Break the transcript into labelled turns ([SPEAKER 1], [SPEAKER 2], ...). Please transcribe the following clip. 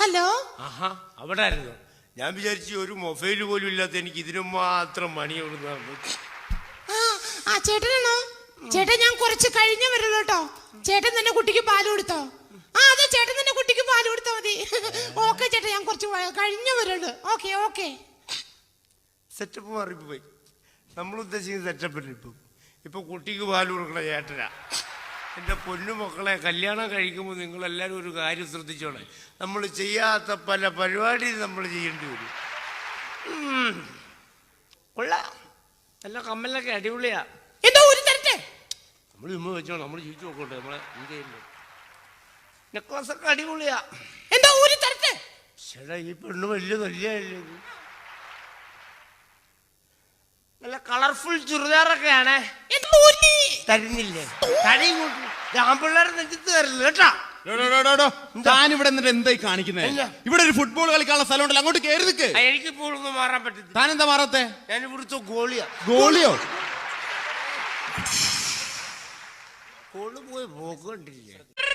[SPEAKER 1] Hello.
[SPEAKER 2] ആഹാ, അവിടെ ആയിരുന്നു. ഞാൻ വിചാരിച്ചു ഒരു മൊബൈൽ പോലും ഇല്ലാത്ത എനിക്ക് ഇതിനു മാത്രം മണി കൊടുക്കുന്നു.
[SPEAKER 1] ആ ചേട്ടനാണോ? ചേട്ടൻ ഞാൻ കുറച്ച് കഴിഞ്ഞേ വരുള്ളൂ കേട്ടോ. ചേട്ടൻ തന്നെ കുട്ടിക്ക് പാല് കൊടുത്തോ? അതെ, ചേട്ടൻ തന്നെ കുട്ടിക്ക് പാല് കൊടുത്താ മതി. ഓക്കെ ചേട്ടാ, ഞാൻ കുറച്ച് കഴിഞ്ഞേ വരുള്ളൂ. Okay okay.
[SPEAKER 2] സെറ്റപ്പ് മാറിപ്പോയി. നമ്മൾ ഉദ്ദേശിക്കുന്ന സെറ്റപ്പില്ല. ഇപ്പൊ കുട്ടിക്ക് പാല് കൊടുക്കണ ചേട്ടനാ. എൻ്റെ പൊന്നു മക്കളെ, കല്യാണം കഴിക്കുമ്പോൾ നിങ്ങളെല്ലാവരും ഒരു കാര്യം ശ്രദ്ധിച്ചോളെ. നമ്മൾ ചെയ്യാത്ത പല പരിപാടിയും നമ്മൾ ചെയ്യേണ്ടി വരും. കൊള്ളാം, നല്ല കമ്മലൊക്കെ അടിപൊളിയാ.
[SPEAKER 1] എന്തോ ഒരു തരട്ടെ
[SPEAKER 2] നമ്മൾ ചുമ്മാ വെച്ചോ, നമ്മൾ ജീവിച്ചു നോക്കട്ടെ. നമ്മളെ ഇന്ത്യയില് നെക്ലസ് ഒക്കെ അടിപൊളിയാ.
[SPEAKER 1] എന്തോ ഒരു തരട്ടെ.
[SPEAKER 2] ചേട്ടാ, ഈ പെണ്ണ് വലിയ നല്ലല്ലേ. നല്ല കളർഫുൾ ചുരിദാറൊക്കെയാണേ. തരുന്നില്ലേ? ആൺപിള്ളേരെ നെഞ്ചത്ത് തരില്ല കേട്ടാ.
[SPEAKER 3] താൻ ഇവിടെ എന്നിട്ട് എന്തായി കാണിക്കുന്നത്? ഇവിടെ ഒരു ഫുട്ബോൾ കളിക്കാനുള്ള സ്ഥലം ഉണ്ടല്ലോ, അങ്ങോട്ട് കയറി നിൽക്ക്.
[SPEAKER 2] എനിക്കിപ്പോൾ ഒന്നും മാറാൻ പറ്റില്ല.
[SPEAKER 3] താൻ എന്താ മാറാത്തെ?
[SPEAKER 2] ഞാൻ ഇവിടുത്തെ ഗോളിയാ.
[SPEAKER 3] ഗോളിയോ?
[SPEAKER 2] ഗോള് പോയി പോക്ക് കണ്ടില്ലേ?